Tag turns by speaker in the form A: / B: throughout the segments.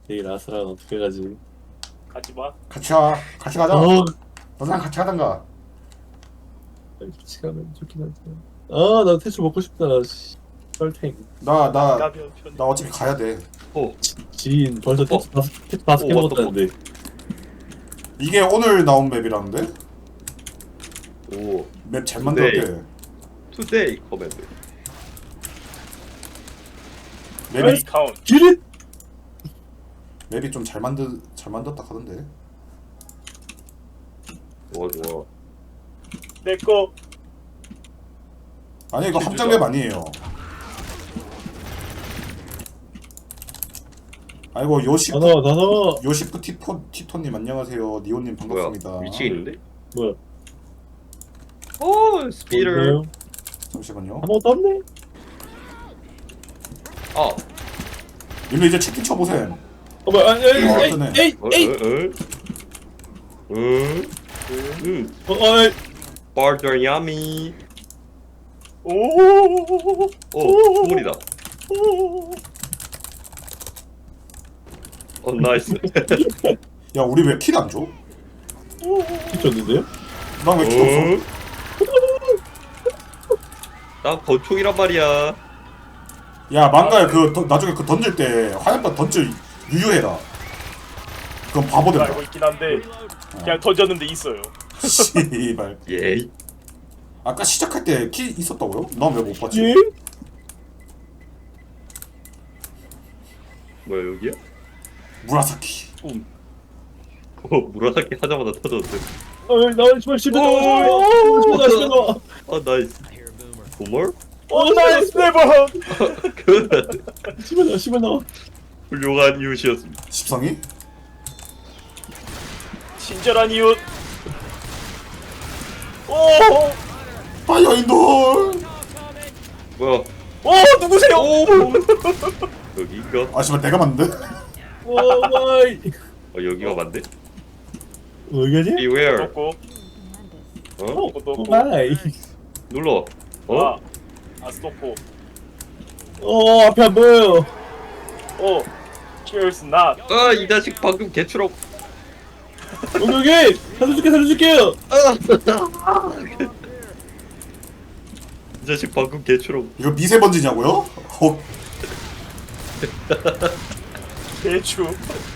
A: 내일 아스랑 어떻게 가지?
B: 가지마.
C: 같이 와. 같이 가자.
A: 어,
C: 너랑 같이 가던가.
A: 같이 가면 좋긴 한데. 아, 나 태초 먹고 싶다. 씨. 썰탱.
C: 나
B: 가면 편.
C: 어차피 가야 돼.
D: 어,
A: 지인 벌써 태초 다섯 개
D: 어,
A: 먹었다는데.
C: 이게 오늘 나온 맵이라는데?
D: 오,
C: 맵 잘 만들었대.
D: 투데이 커맨드.
C: 맵이
B: 카운트.
A: 기릿!
C: 맵이 좀 잘 만들었다 하던데.
D: 좋아, 좋아.
B: 내꺼.
C: 아니 이거 함정 맵 아니에요. 아이고
A: 더.
C: 요시프 티토님 안녕하세요. 니오님 반갑습니다.
D: 뭐야, 미치겠는데?
A: 뭐야?
D: 오, 스피터.
A: 뭐예요?
C: 잠시만요.
A: 아무것도 없네.
D: 아,
C: 일로 이제 채팅 쳐보셈.
A: 뭐야? 아니, 에이,
C: 뜨네.
A: 에이, 에이. 어이.
D: 바르냐미.
B: 오.
D: 오, 소리다. 어, 나이스.
C: 야 우리 왜 킬 안 줘?
A: 미쳤는데요?
C: 난 왜 킬 없어?
D: 나 권총이란 말이야.
C: 야 망가야 나중에 그 던질 때 화염병 던져 유효해라. 그럼 바보 된다.
B: 알고 있긴 한데 그냥 던졌는데 있어요.
C: 씨발.
D: 예이.
C: 아까 시작할 때 키 있었다고요? 난 왜 못 봤지?
A: 예?
D: 뭐야, 여기야?
C: 무라사키.
D: 무라사키 하자마자 터졌어.
A: 어이, 나 집에 집에 나와.
D: 아, 나이스. 보멀?
B: 오 나이스 네버.
D: 그
A: 집에 나와.
D: 훌륭한 이웃이었습니다.
C: 십성이?
B: 친절한 이웃. 오.
C: 파이어인돌.
D: 뭐야?
B: 오 누구세요?
D: 여기인가?
C: 아 씨발 내가 맞는데?
A: 오 마이.
D: 여기가 맞네?
A: 어디가지?
D: Beware.
B: 놓고
D: 어?
A: 오 마이.
D: 눌러. 어?
B: 스토코.
A: 앞에 안 보여요.
B: 오. Cheers not.
D: 아, 이 자식 방금 개추럭.
A: 여기 살려줄게요.
D: 이 자식 방금 개추럭.
C: 이거 미세먼지냐고요?
B: 대추.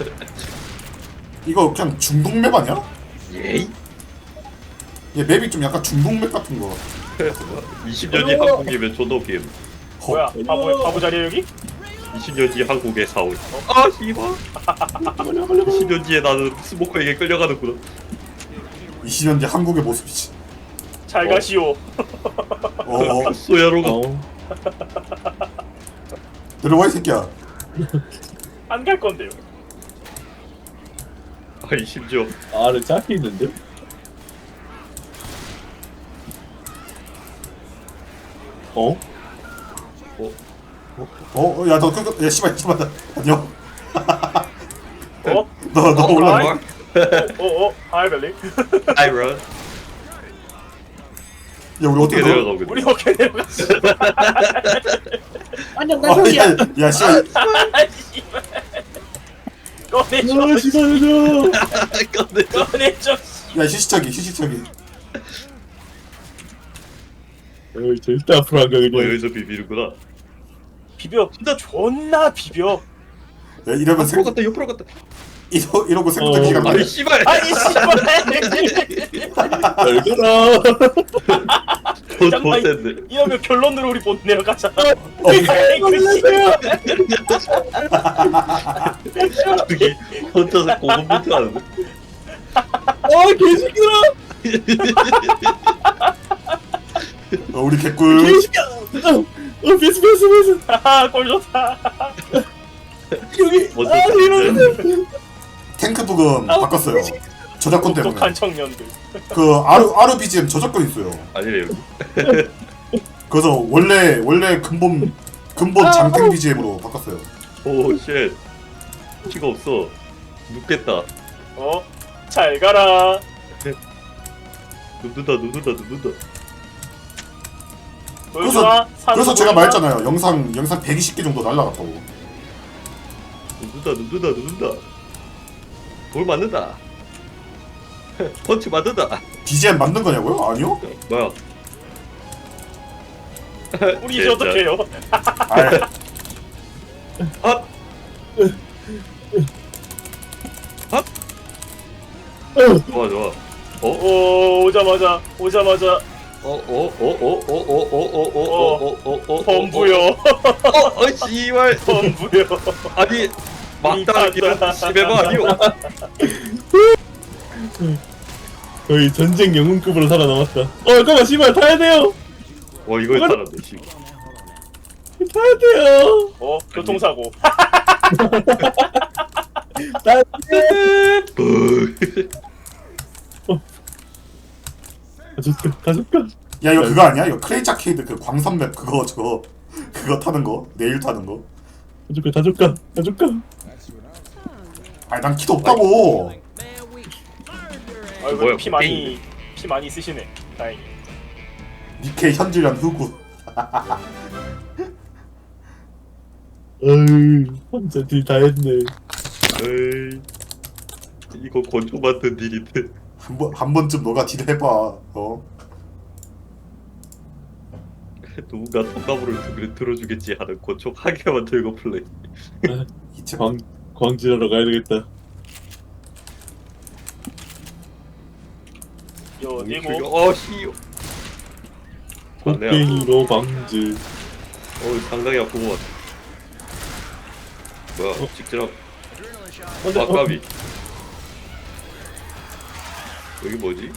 C: 이거 그냥 중동맵 아니야?
D: 예이?
C: 얘 맵이 좀 약간 중동맵 같은 거.
D: 20년 뒤 한국이면 존나 게임.
B: 뭐야? 바보 자리야 여기?
D: 20년 뒤 한국의 사울. 아, 씨발. 20년 뒤에 나는 스모커에게 끌려가는구나.
C: 20년 뒤 한국의 모습이지.
B: 잘 가시오.
D: 소야로가.
C: 들어와 이 새끼야.
B: 안 갈 건데요.
D: 아니, 심지어.
A: 아를 짧게 있는데?
C: 야 너 야 씨발 안녕.
B: 어?
C: 너 올라.
B: 하이벨리.
D: 아이런.
C: 야 우리 어떻게 들어?
D: 내려가고
B: 우리 어떻게 내려갔어?
A: 안녕 나 저기야.
C: 야 씨발.
B: 꺼내줘.
A: 집어줘.
B: 꺼내줘.
C: 야 휴식처기.
A: 어이 절대 앞으로 안 가게 돼.
D: 여기서 비비는구나.
B: 비벼. 진짜 존나 비벼.
C: 야 이러면
D: 옆으로 갔다, 옆으로 갔다.
C: 이러고 생각도 기가
D: 아니,
C: 막혀.
D: 씨발.
B: 아니 씨발.
A: 열거라.
D: 더 센데.
B: 이러면 결론으로 우리 못 내려가잖아.
D: 저기 혼자서 고군분투 하는데.
A: 개새끼들아.
C: 우리 개꿀.
A: 개새끼야. 패스.
B: 꼴 좋다.
A: 여기.
D: 먼저
A: 이러면.
C: 탱크 부금 바꿨어요. 저작권 때문에.
B: 독한 청년들.
C: 그 아르 BGM 저작권 있어요.
D: 아니래, 여기.
C: 그래서 원래 근본 장탱 BGM으로 바꿨어요.
D: 오, 쉣. 피가 없어. 눕겠다.
B: 잘 가라.
D: 눕는다.
B: 보여주나?
C: 그래서 제가 말했잖아요. 영상 120개 정도 날라갔다고.
D: 눕는다. 돌 맞는다. 펀치 맞는다.
C: BGM 만든 거냐고요? 아니요?
D: 뭐야?
B: 우리 이제 어떡해요?
C: 아이,
D: 아! 좋아.
B: 오 오자마자 범부요.
D: 씨발.
B: 범부요.
D: 아니 막다른 길은 시베바 아니오.
A: 거의 전쟁 영웅급으로 살아남았다. 잠깐만 씨발 타야 돼요.
D: 이걸 살았네 씨.
A: 타야 돼요.
B: 교통사고.
A: 타야 돼. 가줄까?
C: 야 이거 그거 아니야? 이거 크레이지 아케이드 그 광선맵 그거 그거 타는 거? 내일 타는 거?
A: 가줄까?
C: 아니 난 키도 없다고.
D: 뭐야,
B: 피 많이 쓰시네. 다행히.
C: 니케 현질한 후구.
A: 어이 혼자 딜 다 했네.
D: 에이, 이거 권총 만든 딜인데.
C: 한 번쯤 너가 딜 해봐.
D: 누군가 통나무를 들어주겠지 하는 권총 한 개만 들고 플레이.
C: 이체
A: 광질하러 가야 되겠다.
B: 여기고.
D: 씨.
A: 곡괭이로 방질.
D: 상당히 아픈 것 같아. 뭐야, 직진함.
A: 근데,
D: 아까비. 여기 뭐지?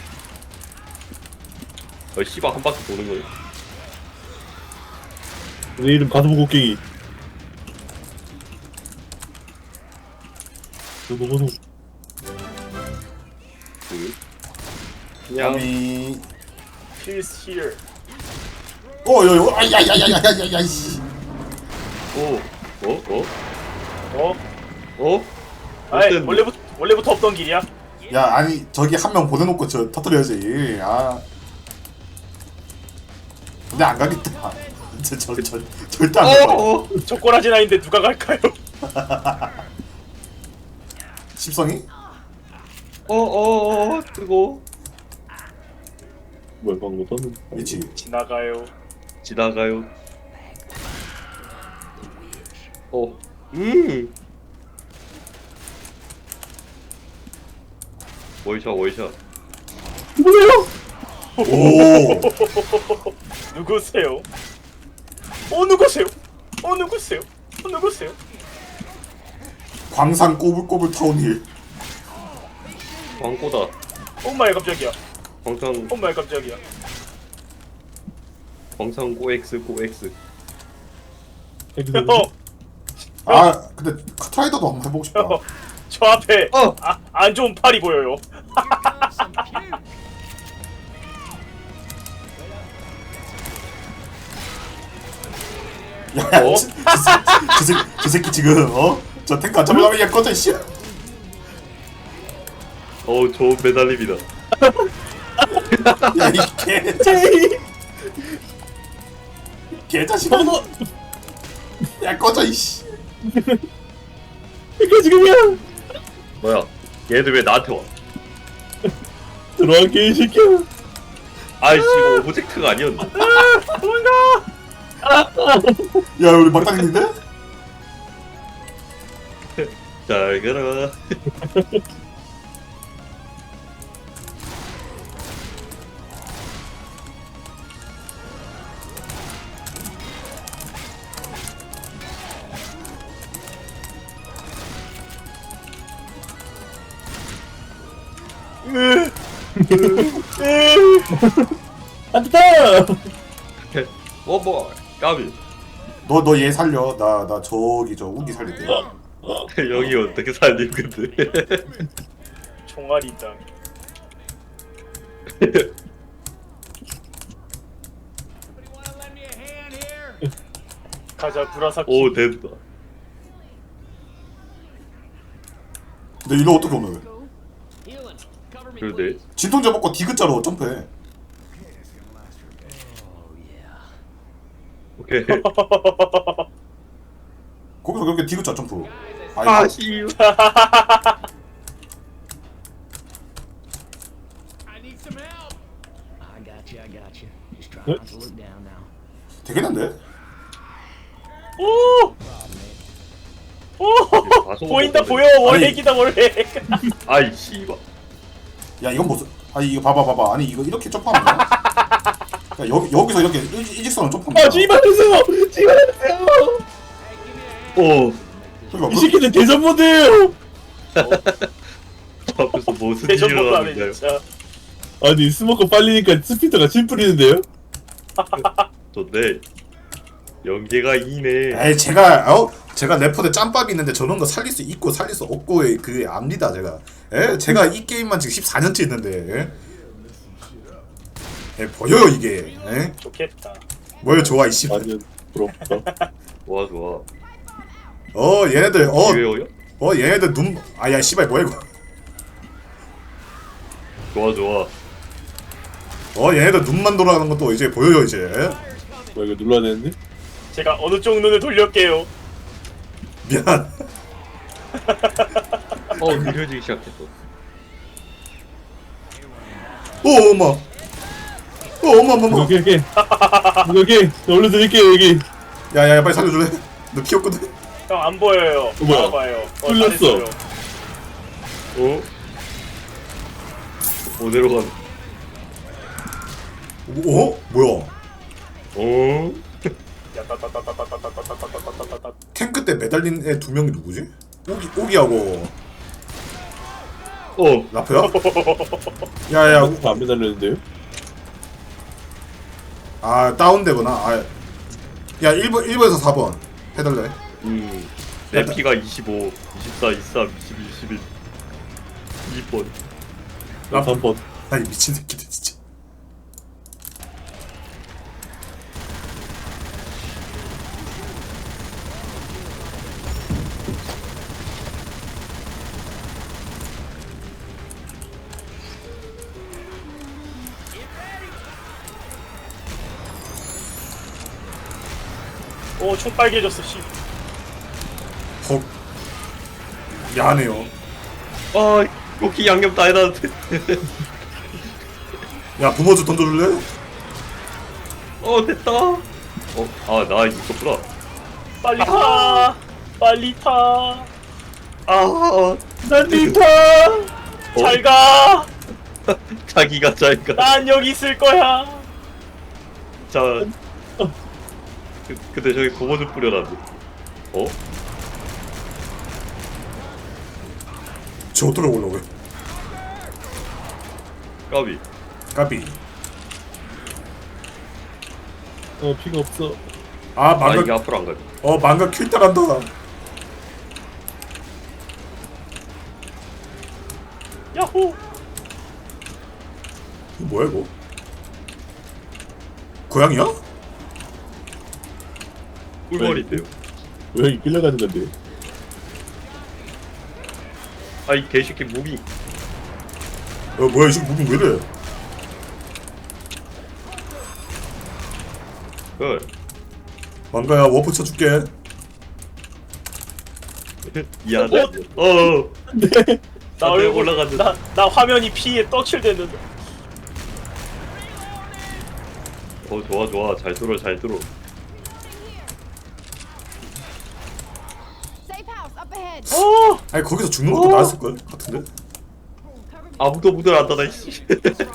D: 씨발 한 바퀴 도는 거야.
A: 내 이름 가슴 곡괭이. 너무
D: 그냥
C: 야미.
B: Peace here.
C: 요요. 아야야야야야야야 씨.
B: 아이
D: 어땠는데?
B: 원래부터 없던 길이야.
C: 야 아니 저기 한 명 보내놓고 저 터뜨려야지. 근데 안 가겠다. 절대 안 가.
B: 저 꼬라지 나인데 누가 갈까요?
C: 십성이?
D: 뜨거.
A: 뭐야 방금 떴는데.
C: 그렇지.
B: 지나가요.
D: 월샷.
A: 뭐예요?
C: 오.
B: 누구세요? 누구세요?
C: 광산 꼬불꼬불 타운힐.
D: 광고다.
B: 엄마의 깜짝이야.
D: 광산 꼬엑스.
C: 근데 카트라이더도 한번 해보고 싶다.
B: 저 앞에 안 좋은 팔이 보여요.
C: 야, 저 새끼 지금 저 탱크 안 잡으려면 얘 꺼져 씨.
D: 좋은 매달림이다.
C: 야이 개자식아. 야 꺼져 이씨.
A: 이게 지금이야.
D: 뭐야? 얘들 왜 나한테 와?
A: 들어와 개새끼야.
D: 아이씨 이거 오브젝트가 아니었네.
C: 야 우리 막당했는데?
D: 잘 가라.
A: 안 됐다.
D: 뭐 까비.
C: 너 얘 살려. 나 저기 저 우기 살릴게.
D: 여기 어떻게 살림 근데?
B: 총알이 있다. 가자 구라사키.
D: 오 됐다.
C: 근데 이거 어떻게 오늘?
D: 그러네.
C: 진통제 먹고 디귿자로 점프해.
D: 오케이.
C: 거기서 그렇게 디귿자 점프. 아니,
D: 아 씨발.
E: I got you. I got you. Just try not to look down now.
C: 되겠는데?
B: 오! 오!
D: 가서
B: 보인다
D: 먹어야
B: 보여 월핵이다 월핵.
D: 아이 씨발.
C: 야 이건 무슨 아니 이거 봐봐 아니 이거 이렇게 점프하면 돼? 야, 여기서 이렇게 일직선으로 점프하면
A: 아 씨발하세요. 씨발하세요.
D: 오.
C: 그러니까
A: 이 새끼들 대전 모드예요.
D: 저 앞에서 무슨
B: 대전
D: 일이
B: 못도 안해
D: 일어나는가요?
B: 진짜.
A: 아니 스모커 빨리니까 스피드가 침 뿌리는데요?
D: 좋네. 연계가 이네.
C: 에이 제가 래퍼대 짬밥이 있는데 저런 거 살릴 수 있고 살릴 수 없고의 그 압니다 제가. 제가 이 게임만 지금 14년째 있는데 보여요 이게.
B: 좋겠다.
C: 뭘 좋아 이씨.
A: 아니요 부럽다.
D: 좋아 좋아.
C: 얘네들
D: 기회어요?
C: 얘네들 눈 아야 씨발 뭐야 이거.
D: 좋아 좋아.
C: 얘네들 눈만 돌아가는 것도 이제 보여요 이제.
A: 뭐 이거 눌러야 되는데?
B: 제가 어느 쪽 눈을 돌렸게요.
C: 미안.
D: 느려지기 시작했어.
C: 어머. 어머.
A: 오케이 나 올려드릴게요 여기.
C: 야야야 빨리 살려줄래? 너 키웠거든.
B: 형 안 보여요.
A: 뭐야?
B: 봐요.
A: 뚫렸어.
B: 잘했어요.
D: 어디로 간?
C: 뭐야?
B: 야따따따따따따따따따따따따따.
C: 탱크 때 매달린 애 두 명이 누구지? 오기하고 라프야? 야야
A: 안 매달렸는데요?
C: 다운되구나. 야 1번에서 4번 해달래.
D: 내 피가 25, 24, 23, 22, 21, 2번.
A: 나 3번.
C: 아니 미친 새끼들 진짜.
B: 오, 총 빨개졌어, 씨.
C: 헉. 야하네요.
D: 여기 양념 다 해놨는데.
C: 야 부모주 던져줄래?
D: 됐다. 나 있었구나.
B: 빨리 타! 빨리 타!
A: 난 리타.
B: 잘 가!
D: 자기가 자기가.
B: 난 여기 있을 거야!
D: 자. 근데 저기 고무 좀 뿌려놨네.
C: 저 들어오려고 해.
D: 까비.
C: 까비.
A: 피가 없어.
D: 이게
C: 망각.
D: 앞으로 안 가지.
C: 망각 킬타 간다.
B: 야호!
C: 이거 뭐야 이거? 고양이야?
D: 꿀벌인데요.
A: 고양이 끌려가는 건데.
D: 이 개새끼 무기.
C: 뭐야 이 새끼 무빙 왜 이래? 망가야 워프 쳐줄게.
D: 미안해.
A: 네.
B: 나
D: 내
B: 얼굴,
D: 올라갔는데.
B: 나 화면이 피에 떡칠됐는데.
D: 좋아. 잘 들어.
F: Safe house up ahead.
B: 어!
C: 아니 거기서 죽는 것도 나았을 걸 같은데?
D: 아무도 문을 안 닫아 이씨.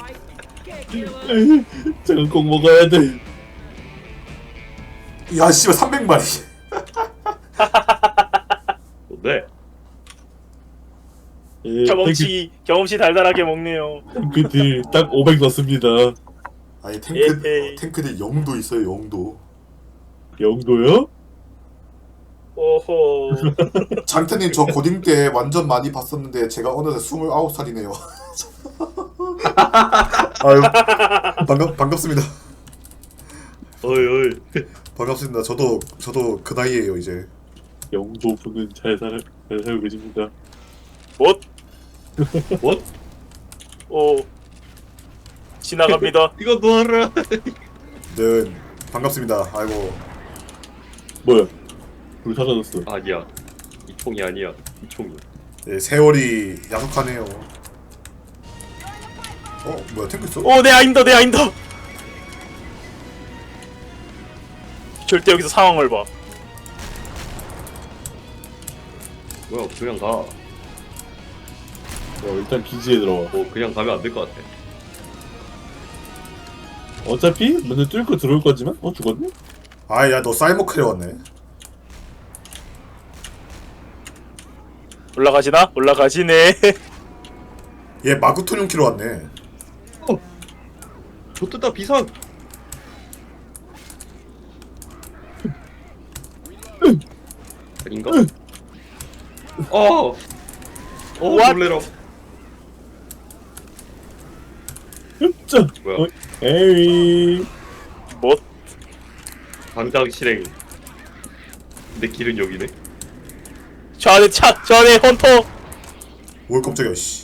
A: 저건 꼭 먹어야 돼.
C: 야 씨발 300마리.
D: 네.
B: 경험치 달달하게 먹네요.
A: 탱크들 딱 500 넣습니다.
C: 아니
B: 에헤이.
C: 탱크들 영도 있어요 영도.
A: 영도요?
B: 오호.
C: 장태님 저 고딩 때 완전 많이 봤었는데 제가 어느새 29살이네요. 아유 반갑습니다.
D: 어이.
C: 반갑습니다. 저도 그 나이에요 이제.
A: 영도 분은 잘 살고 계십니다.
B: 뭐?
D: 뭐?
B: 오. 지나갑니다.
D: 이거 놓아라. 총이 아니야. 이 총이.
C: 예, 세월이 야속하네요. 뭐야 탱크 있어?
B: 내 아임더 내 아임더. 절대 여기서 상황을 봐.
D: 뭐야 그냥 가.
A: 일단 기지에 들어와.
D: 그냥 가면 안 될 것 같아.
A: 어차피 먼저 뚫고 들어올 거지만 죽었네?
C: 아야 너 사이모크에 왔네.
B: 올라가지나? 올라가지네.
C: 얘 마구토뇽 키로 왔네.
D: 좋다 비상. 아닌가?
B: What?
D: 놀래라.
A: 흡자.
D: 뭐야?
A: 에이.
B: 뭐?
D: 당장 실행. 내 길은 여기네.
B: 저 안에 헌터.
C: 뭘 깜짝이야 씨.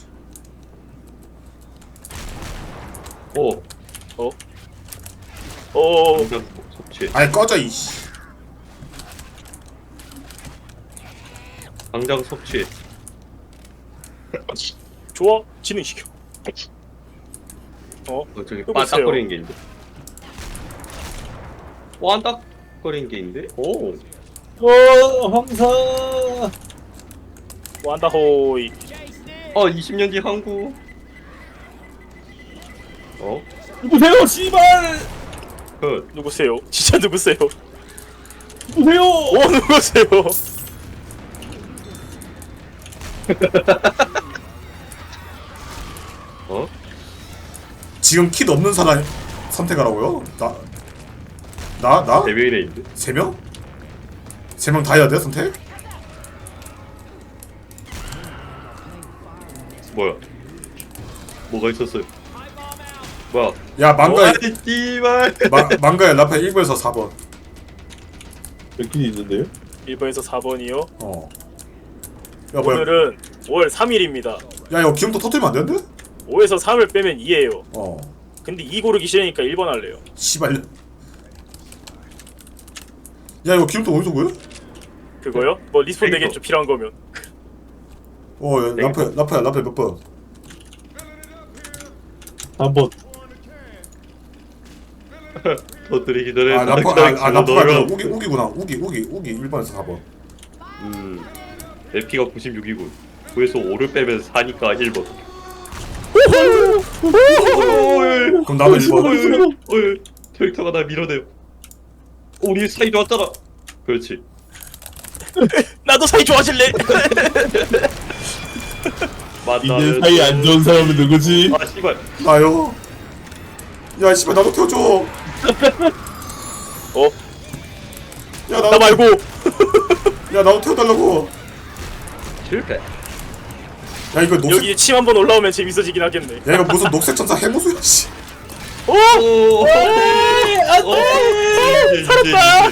D: 당장 섭취.
C: 아이 꺼져 이씨.
D: 당장 섭취.
B: 좋아. 진행시켜.
D: 저기
B: 여보세요?
D: 반딱거리는 게 있는데. 반딱거리는 게 있는데?
A: 황사.
B: 완다호이.
D: 20년 뒤 한국.
A: 누구세요, 씨발!
B: 누구세요? 진짜 누구세요?
A: 누구세요?
B: 누구세요?
C: 지금 킷 없는 사람 선택하라고요? 나?
D: 네 명이나 있는데?
C: 3명? 3명 다 해야 돼 선택?
D: 뭐야? 뭐가 있었어요? 뭐야?
C: 야 망가야
D: 씨발.
C: 망가야 라파 1번에서 4번.
A: 몇 킬이 있는데요?
B: 1번에서 4번이요.
C: 야 뭐야?
B: 오늘은 5월 3일입니다.
C: 야 이거 기름도 터뜨리면 안 되는데?
B: 5에서 3을 빼면 2예요.
C: 어.
B: 근데 2 고르기 싫으니까 1번 할래요.
C: 씨발. 야 이거 기름도 어디서 구해?
B: 그거요? 뭐 리스폰
D: 이거.
B: 되겠죠, 필요한 거면.
C: 야, 라파야 몇 번?
A: 3번.
D: 터뜨리기 전에
C: 라파가
D: 넣어요.
C: 우기구나. 우기 1번에서 4번.
D: 내 피가 96이고 9에서 5를 빼면 4니까 1번.
C: 그럼 나도 1번.
D: 캐릭터가 날 밀어내요. 우리 사이 좋았잖아. 그렇지.
B: 나도 사이 좋아질래.
A: 니네 사이 안 좋은 사람은 누구지?
D: 아 씨발.
C: 나요. 야 씨발 나도 태워줘. 야
B: 나 말고.
C: 야 나도 태워달라고.
D: 실패.
C: 야 이거 녹색.
B: 여기 침 한번 올라오면 재밌어지긴 하겠네.
C: 야 이거 무슨 녹색 천사 해무수야 씨.
B: 살았다.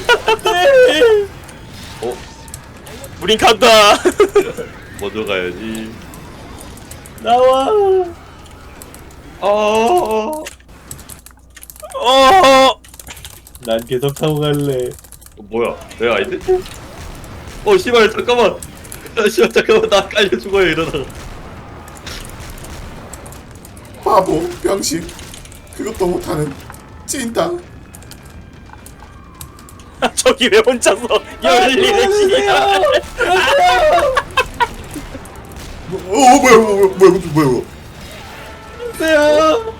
B: 우린 간다.
D: 먼저 가야지.
A: 나와. 난 계속 타고 갈래.
D: 뭐야? 내가 아닌데? 씨발 잠깐만. 씨발 잠깐만 나 깔려 죽어요 이러다가.
C: 바보 병신. 그것도 못하는 찐따.
B: 저기 왜 혼자서 열리는 시야?
C: 뭐야
A: 주세요.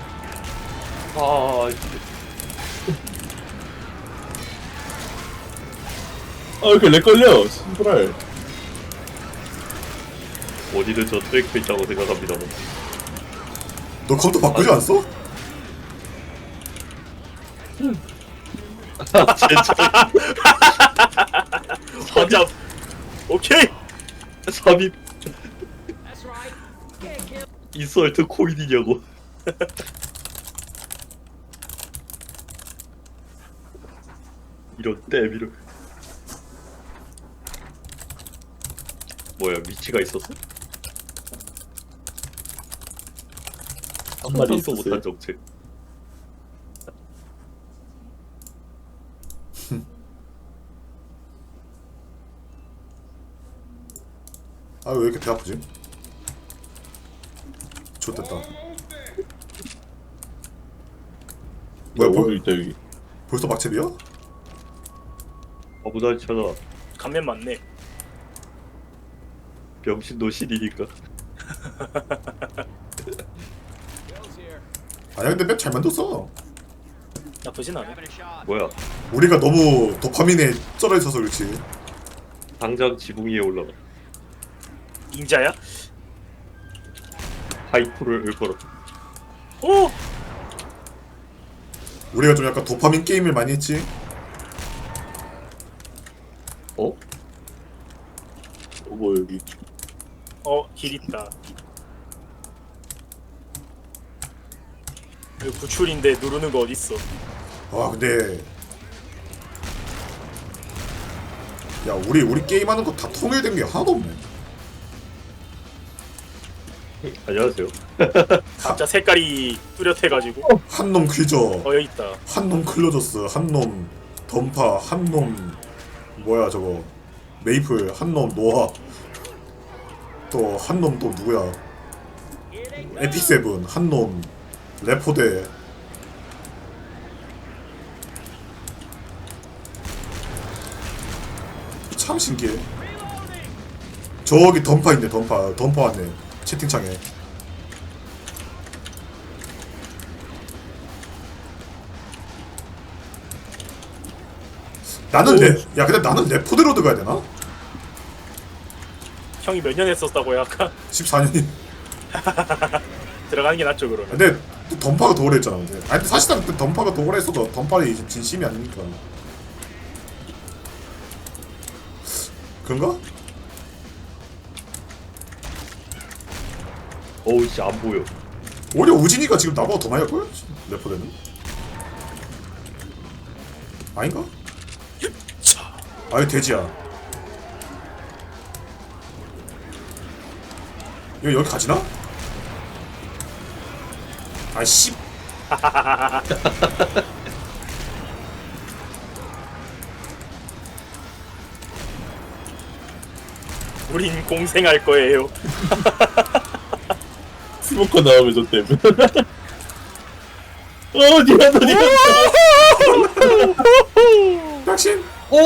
A: 왜 이렇게 렉 걸려? 신발.
D: 어디든 저 트랙도 있다고 생각합니다.
C: 너 컴퓨터 바꾸지 않았어?
D: 진짜
B: 혼자. 오케이.
D: 삽입. 인설트 코인이냐고. 이런 땜. 뭐야 위치가 있었어?
A: 한 마리
D: 상상도
A: 있었어요.
D: 못한 정책.
C: 아 왜 이렇게 배 아프지? 좋됐다. 뭐야
A: 뭐 있다 여기.
C: 벌써 막채비야?
D: 아무나 찾아.
B: 감면 맞네.
D: 병신 노신이니까.
C: 아니야 근데 맵 잘 만들었어.
B: 나쁘진 않아.
D: 뭐야?
C: 우리가 너무 도파민에 쩔어 있어서 그렇지.
D: 당장 지붕 위에 올라가.
B: 인자야?
D: 하이프를 읊어라.
B: 오!
C: 우리가 좀 약간 도파민 게임을 많이 했지.
D: 어?
A: 뭐 여기.
B: 길 있다. 이거 구출인데 누르는 거 어딨어?
C: 아 근데 야 우리 게임하는 거 다 통일된 게 하나도 없네.
D: 안녕하세요.
B: 각자 색깔이 뚜렷해가지고.
C: 한 놈 퀴저,
B: 여기 있다.
C: 한 놈 클로저스, 한 놈 던파, 한 놈 뭐야 저거 메이플, 한 놈 노아, 또 한 놈 또 누구야? 에픽 세븐, 한 놈 레포대. 참 신기해. 저기 던파 있네. 던파 왔네 채팅창에. 나는 야 근데 나는 레포대로 들어가야 되나?
B: 형이 몇 년 했었다고요 아까?
C: 14년이.
B: 들어가는 게 낫죠 그러면.
C: 근데 또 던파가 더 오래 했잖아. 근데 아니 근데 사실상 그 던파가 더 오래 했어도 던파이 진심이 아니니까. 그런가?
D: 어우 씨 안 보여.
C: 오히려 우진이가 지금 나보다 더 많이 할걸? 레포대는? 아닌가? 아유 돼지야. 여기 가지나? 아씨.
B: 우린 공생할 거예요.
A: 스모커 나오면 저 때문에. 니가
C: 백신.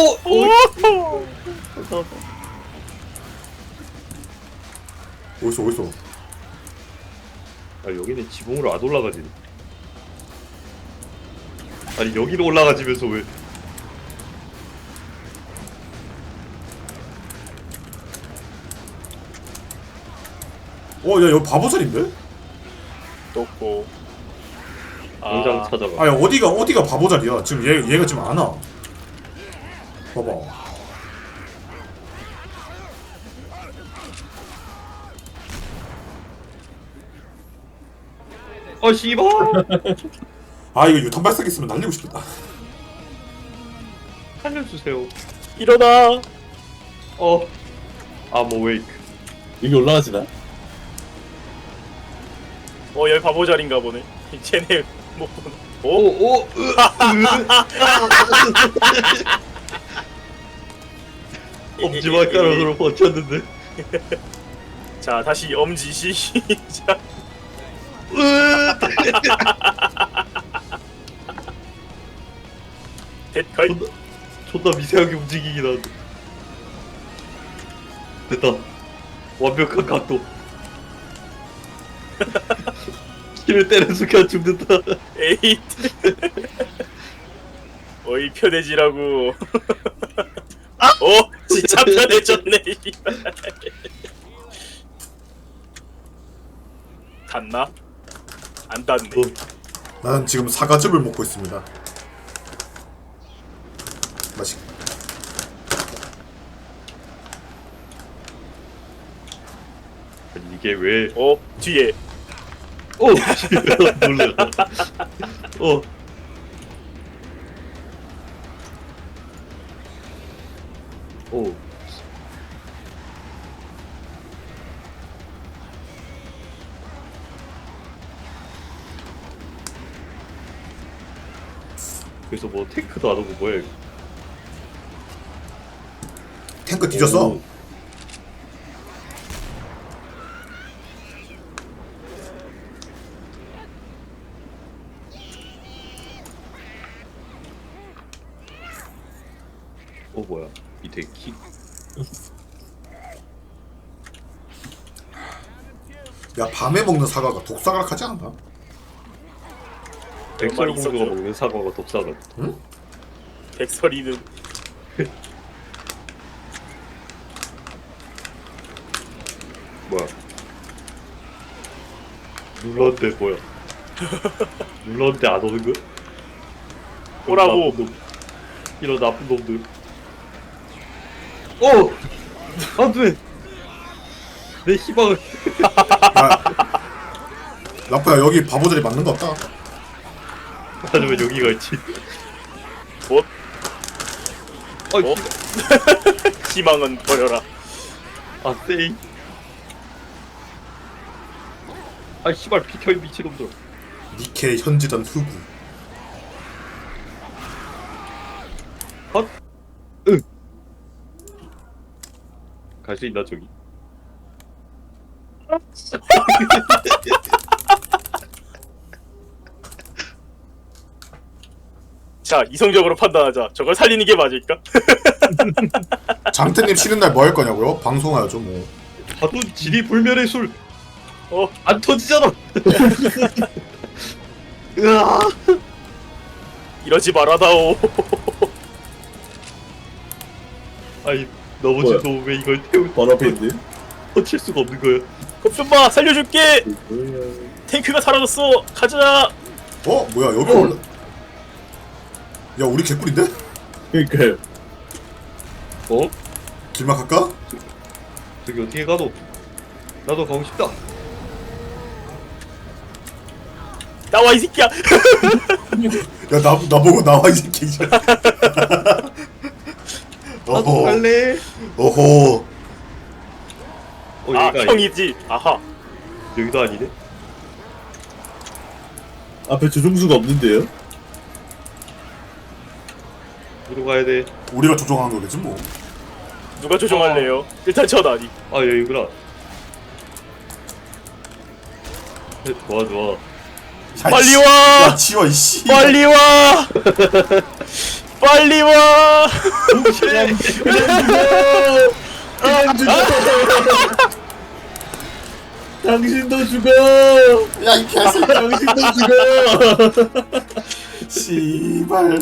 C: 어딨어?
D: 아 여기는 지붕으로 안 올라가지. 아니 여기로 올라가지면서 왜?
C: 야 여기 바보자리인데?
B: 떴고.
D: 당장 찾아가.
C: 아야 어디가 바보자리야? 지금 얘가 지금 안 와. 봐봐.
D: 씨발.
C: 아 이거 유탄 발사기 있으면 날리고 싶겠다.
D: 살려주세요.
B: 일어나.
D: I'm awake.
A: 여기 올라가지나?
B: 여기 바보 자리인가 보네. 쟤네 못 보네.
D: 엄지발가락으로 버텼는데.
B: 자 다시 엄지 시작. 됐거이.
D: 존나 미세하게 움직이긴 한데. 됐다. 완벽한 각도. 키를 때는 순간 죽는다.
B: 에잇. 어이 편해지라고. 진짜 편해졌네. 닿나? 안 닿네.
C: 나는 지금 사과즙을 먹고 있습니다. 맛있.
D: 아니, 이게 왜?
B: 뒤에.
D: 놀래. 그래서 뭐 탱크도 안 오고 뭐야 이거.
C: 탱크 뒤졌어.
D: 뭐야 밑에 키
C: 야 밤에 먹는 사과가 독사각하지 않나?
D: 백설공주가 먹는 사과가 독사가
B: 백설이는
D: 뭐야 눌렀는데 뭐야 눌렀는데 안 오는 거야?
B: 오라고.
D: 나쁜 놈. 이런 나쁜 놈들 어! 안돼 내 희망을
C: 야 라프야 여기 바보들이 맞는 거 없다.
D: 하지만 여기가 있지
B: 뭐?
D: 아,
B: 어? 희망은 버려라.
D: 아 세이 아 씨발 비켜 이 미친놈들
C: 니케 현지던 흑우.
D: 헛! 응! 갈 수 있나 저기?
B: 자, 이성적으로 판단하자. 저걸 살리는 게 맞을까?
C: 장태님 쉬는 날 뭐 할 거냐고요? 방송하죠 뭐.
D: 하도 지리 불멸의 술!
B: 어,
D: 안 터지잖아! 으아!
B: 이러지 말아다오.
D: 아니 넘어진
A: 뭐야?
D: 놈왜 이걸 태우
A: 바로 앞에 있는데?
D: 터칠 수가 없는 거야
B: 겁좀마 살려줄게.
A: 뭐야?
B: 탱크가 사라졌어. 가자.
C: 어? 뭐야 여기 올라. 야 우리 개꿀인데?
A: 그러니까요.
D: 어?
C: 길막 할까?
D: 저기 어떻게 가노? 나도 가고 싶다
B: 나와 이 새끼야.
C: 야 나보고 나와 이 새끼.
D: 나도
C: 어허.
D: 갈래
C: 어허.
B: 아,
D: 여기가
B: 형이지. 아하.
D: 여기도 아니네
A: 앞에 조종수가 없는데요?
D: 어디로 가야 돼?
C: 우리가 조종하는 거겠지 뭐.
B: 누가 조종할래요? 일단 전 아니.
D: 아 여기구나 좋아 좋아
C: 야,
B: 빨리
C: 씨.
B: 와!
C: 야 치워 이씨.
B: 빨리 와. 빨리 와.
A: 그냥 죽어! 당신도 죽어!
C: 야이 개새끼.
A: 당신도 죽어!
C: 씨발.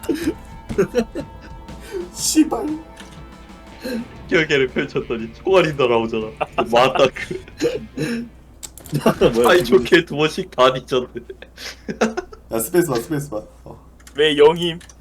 C: 씨발.
D: 결계를 펼쳤더니 총알이 날아오잖아 맞다
A: 뭐야,
D: 아이
A: 지금.
D: 좋게 두 번씩 다 뒤졌네
C: 야 스페이스바 스페이스바. 어.
B: 왜 영임?